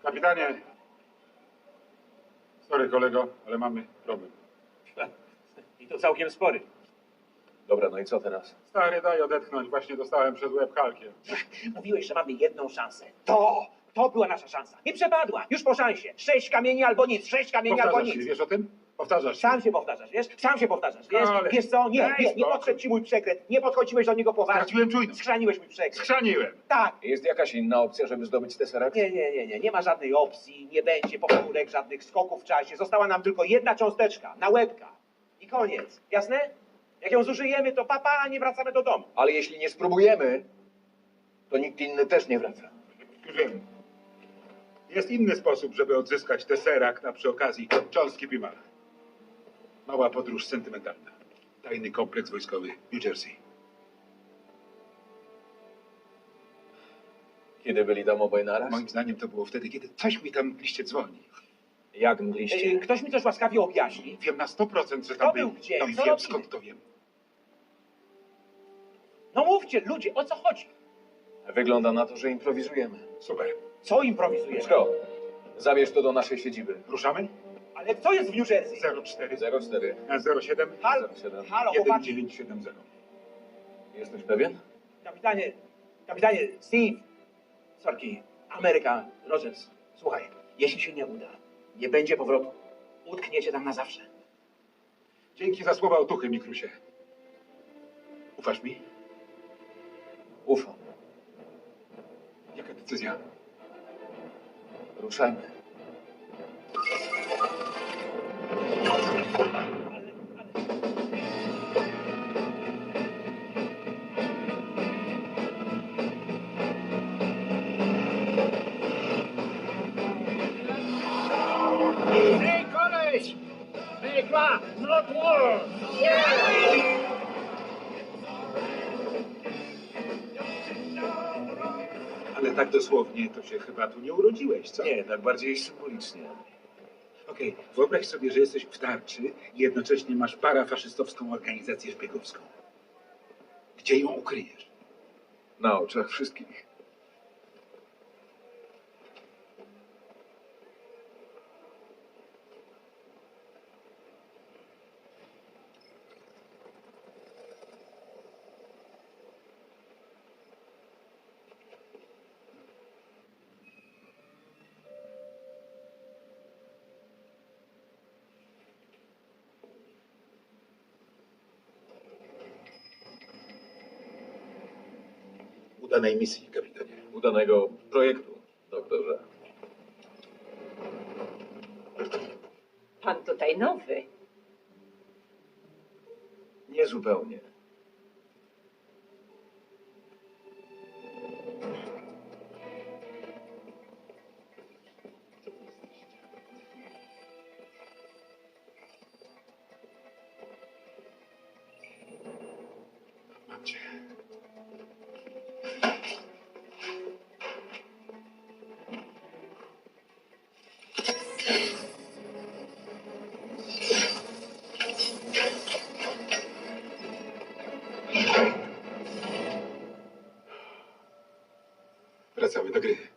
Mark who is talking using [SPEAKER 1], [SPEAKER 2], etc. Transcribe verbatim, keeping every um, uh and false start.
[SPEAKER 1] Kapitanie. Sorry, kolego, ale mamy problem.
[SPEAKER 2] I to całkiem spory.
[SPEAKER 3] Dobra, no i co teraz?
[SPEAKER 1] Stary, daj odetchnąć. Właśnie dostałem przez łeb kalkiem.
[SPEAKER 2] Mówiłeś, że mamy jedną szansę. To, to była nasza szansa. I przepadła. Już po szansie. Sześć kamieni albo nic, sześć kamieni albo
[SPEAKER 1] Powtarzasz
[SPEAKER 2] nic.
[SPEAKER 1] się, wiesz o tym? Powtarzasz się.
[SPEAKER 2] Sam się powtarzasz, wiesz? Sam się powtarzasz, wiesz?
[SPEAKER 1] Ale-
[SPEAKER 2] Wiesz co? Nie,
[SPEAKER 1] Daj
[SPEAKER 2] nie, nie
[SPEAKER 1] spokój.
[SPEAKER 2] podszedł ci mój przekręt. Nie podchodziłeś do niego poważnie.
[SPEAKER 1] Straciłem czujność.
[SPEAKER 2] Schrzaniłeś mój przekręt.
[SPEAKER 1] Schrzaniłem.
[SPEAKER 2] Tak.
[SPEAKER 3] Jest jakaś inna opcja, żeby zdobyć Tesseract?
[SPEAKER 2] Nie, nie, nie, nie. Nie ma żadnej opcji, nie będzie powtórek, żadnych skoków w czasie. Została nam tylko jedna cząsteczka, na łebka. I koniec. Jasne? Jak ją zużyjemy, to papa, a nie wracamy do domu.
[SPEAKER 3] Ale jeśli nie spróbujemy, to nikt inny też nie wraca.
[SPEAKER 1] Już wiem. Jest inny sposób, żeby odzyskać Tesseract, a przy okazji cząstki Pimala. Mała podróż sentymentalna. Tajny kompleks wojskowy New Jersey.
[SPEAKER 3] Kiedy byli tam obaj naraz?
[SPEAKER 1] Moim zdaniem to było wtedy, kiedy coś mi tam w liście dzwoni.
[SPEAKER 3] Jak
[SPEAKER 2] Ej,
[SPEAKER 3] mgliście?
[SPEAKER 2] Ktoś mi coś łaskawie objaśni.
[SPEAKER 1] Wiem na sto procent, że
[SPEAKER 2] Kto
[SPEAKER 1] tam
[SPEAKER 2] był
[SPEAKER 1] był.
[SPEAKER 2] gdzie?
[SPEAKER 1] No i
[SPEAKER 2] Co
[SPEAKER 1] wiem,
[SPEAKER 2] robili?
[SPEAKER 1] skąd to wiem.
[SPEAKER 2] No mówcie, ludzie, o co chodzi?
[SPEAKER 3] Wygląda na to, że improwizujemy.
[SPEAKER 1] Super.
[SPEAKER 2] Co improwizujesz?
[SPEAKER 3] Scott, zabierz to do naszej siedziby.
[SPEAKER 1] Ruszamy?
[SPEAKER 2] Ale co jest w New Jersey?
[SPEAKER 1] zero cztery
[SPEAKER 3] zero cztery
[SPEAKER 1] zero siedem
[SPEAKER 2] Halo,
[SPEAKER 3] zero siedem
[SPEAKER 2] halo,
[SPEAKER 1] jeden
[SPEAKER 2] chłopaki.
[SPEAKER 1] dziewięć siedem zero.
[SPEAKER 3] Jesteś pewien?
[SPEAKER 2] Kapitanie, kapitanie, Steve. Sorki, Ameryka, Rogers. Słuchaj, jeśli się nie uda, nie będzie powrotu. Utkniecie tam na zawsze.
[SPEAKER 1] Dzięki za słowa otuchy, Mikrusie. Ufasz mi?
[SPEAKER 3] Ufam.
[SPEAKER 1] Jaka decyzja?
[SPEAKER 3] Ruszajmy.
[SPEAKER 4] Hey, koleś! Make love, not war!
[SPEAKER 1] Ale tak dosłownie to się chyba tu nie urodziłeś, co?
[SPEAKER 3] Nie, tak bardziej symbolicznie.
[SPEAKER 1] Okej, wyobraź sobie, że jesteś w tarczy i jednocześnie masz parafaszystowską organizację szpiegowską. Gdzie ją ukryjesz?
[SPEAKER 3] Na oczach wszystkich.
[SPEAKER 1] Udanej misji, kapitanie.
[SPEAKER 3] Udanego projektu, doktorze.
[SPEAKER 5] Pan tutaj nowy.
[SPEAKER 3] Nie zupełnie.
[SPEAKER 1] Mam cię. Wracamy do gry.